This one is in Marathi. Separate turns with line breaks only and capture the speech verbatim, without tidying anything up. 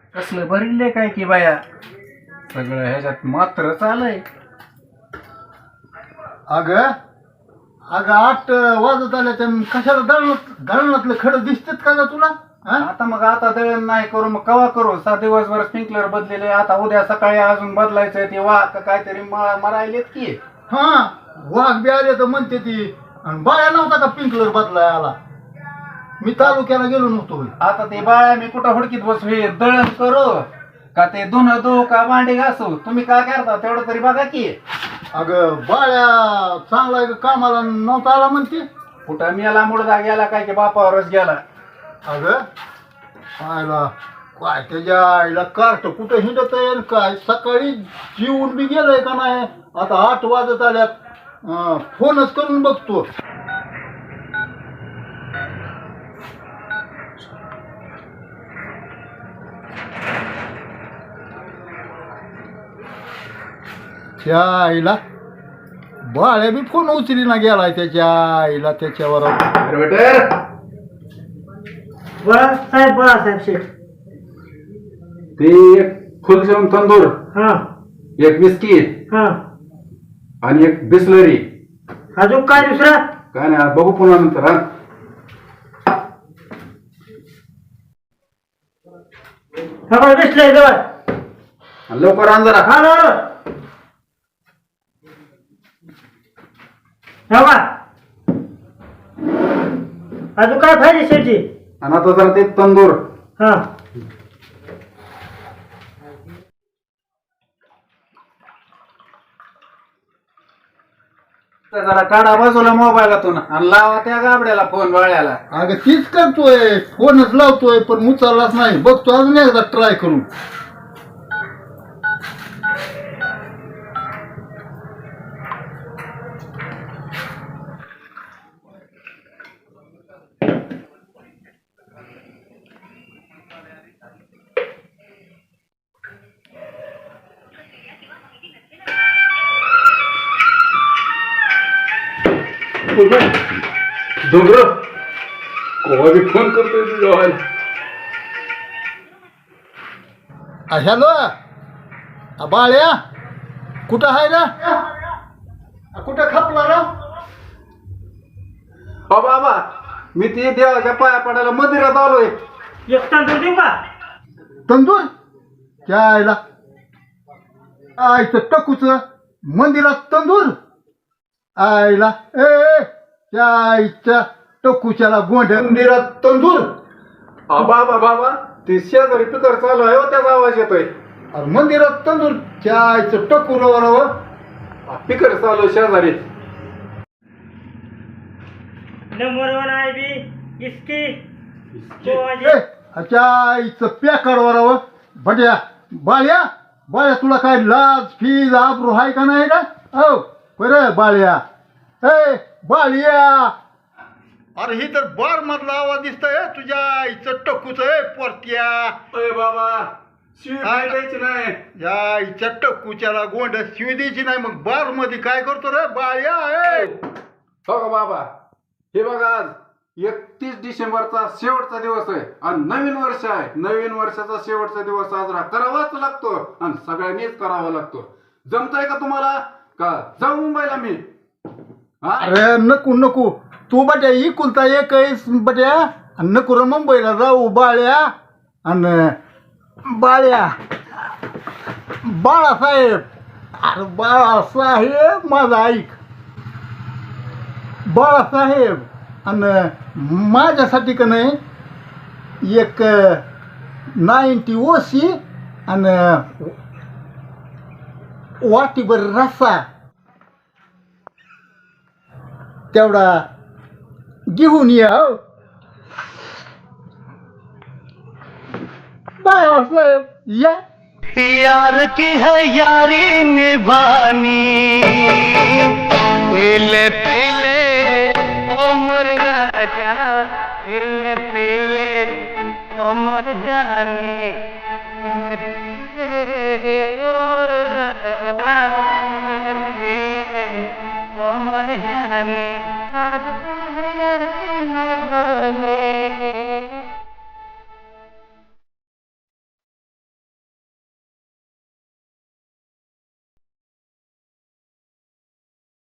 कसलं भरिले काय की बाया सगळं ह्याच्यात मात्र चालय.
अग अगं आठ वाजत आल्या त्या कशाला दळणात दळणातलं खडं दिसतेत का ग तुला? हा?
आता मग आता दळण नाही करू मग कवा करू? सा दिवसभर स्प्रिंकलर बदलेले, आता उद्या सकाळी अजून बदलायचंय ते वा का काहीतरी म- मरायलेत की.
हा वाघ बी आले तर म्हणते ती. आणि बाया नव्हता का पिंकलर बदलाय आला? मी तालुक्याला गेलो नव्हतो होय.
आता ते बाळा मी कुठं हुडकीत बसू? हे दळण करू का ते धुणं धुवू का भांडी घासू? तुम्ही काय करता तेवढं तरी बघा की.
अगं बाळ्या चांगला आहे का कामाला नव्हता आला म्हणते.
कुठं मेला मुडदा गेला काय की बापावरच गेला.
अगं आयला काय त्याच्या आईला कार्ट कुठं हिंडत आहे काय? सकाळी जीवन बी गेलंय का नाही? आता आठ वाजत आल्यात. अं, फोनच करून बघतो. त्या आईला बाळ्या बी फोन उचली ना गेलाय त्याच्या आईला त्याच्यावर.
बाळासाहेब बाळासाहेब शेठ.
ते एक फुलशेवन तंदूर,
हा
एक बिस्किट
हा.
आणि एक बिस्लरी.
अजून काय दुसरा?
काय नाही बघू पुन्हा नंतर. हा
हा बघ दिसलंय जवळ.
आणि लवकर आण जरा.
हा बरोबर. हा बा. अजून काय पाहिजे शेठची?
आणि आता जरा ते तंदूर.
हा
तर जरा काढा बाजूला मोबाईलातून आणि लावा त्या गाबड्याला फोन बाळ्याला.
अगं तीच करतोय, फोनच लावतोय पण उचललाच नाही. बघतो अजून एकदा ट्राय करून.
डोंगर कोवा बी फोन करतोय तुझ्या व्हायला.
हॅलो बाळ्या कुठं आहे ना? कुठं खपला ना?
हो बाबा मी ते देवाच्या पाया पडायला मंदिरात आलोय.
एक तांदूळ देऊ का?
तंदूर त्या आईला आईचं टकूच मंदिरात तंदूर. आईला ए ए, त्या आईच्या टकूच्याला गोंड्या मंदिरात तंदूर.
अहो बाबा बाबा ते शेजारी पिकर चालू आहे हो, त्याचा आवाज येतोय.
अरे मंदिरात तंदूर त्या आईचं टकू रव.
पिकर चालू आहे शेजारी.
नंबर वन आय बी इसकी
ए, त्या आईचं पॅकर वराव. बट्या बाळ्या बाळ्या तुला काय लाज फीज आबरू आहे का नाही का? हो बरं बाळ्या. ए बाळ्या अरे ही तर बार मधला आवाज दिसतोय तुझ्या आईचं टकूच आहे पोरत्या.
अरे बाबा शिवी काय द्यायची नाही.
या आईच्या टकूच्याला गोंड शिवी द्यायची नाही. मग बार मध्ये काय करतो रे बाळ्या? ए
हो का बाबा हे बघा आज एकतीस डिसेंबरचा शेवटचा दिवस आहे आणि नवीन वर्ष आहे. नवीन वर्षाचा शेवटचा दिवस साजरा करावाच लागतो आणि सगळ्यांनीच करावा लागतो. जमतंय का तुम्हाला का जाऊ मुंबईला मी? हा
अरे नको नको तू बट्या इकुलता एक आहेस बट्या. आणि नको रे मुंबईला जाऊ बाळ्या. आणि बाळ्या बाळासाहेब अरे बाळासाहेब माझा ऐक. बाळासाहेब आणि माझ्यासाठी का नाही एक नाईन्टी ओशी आणि वाटीभर रस्सा तेवढा घेऊन या. हो बाळासाहेब या.
यार की है यारी निभानी पीले पीले उम्र राजा पीले पीले उम्र जानी उम्र जानी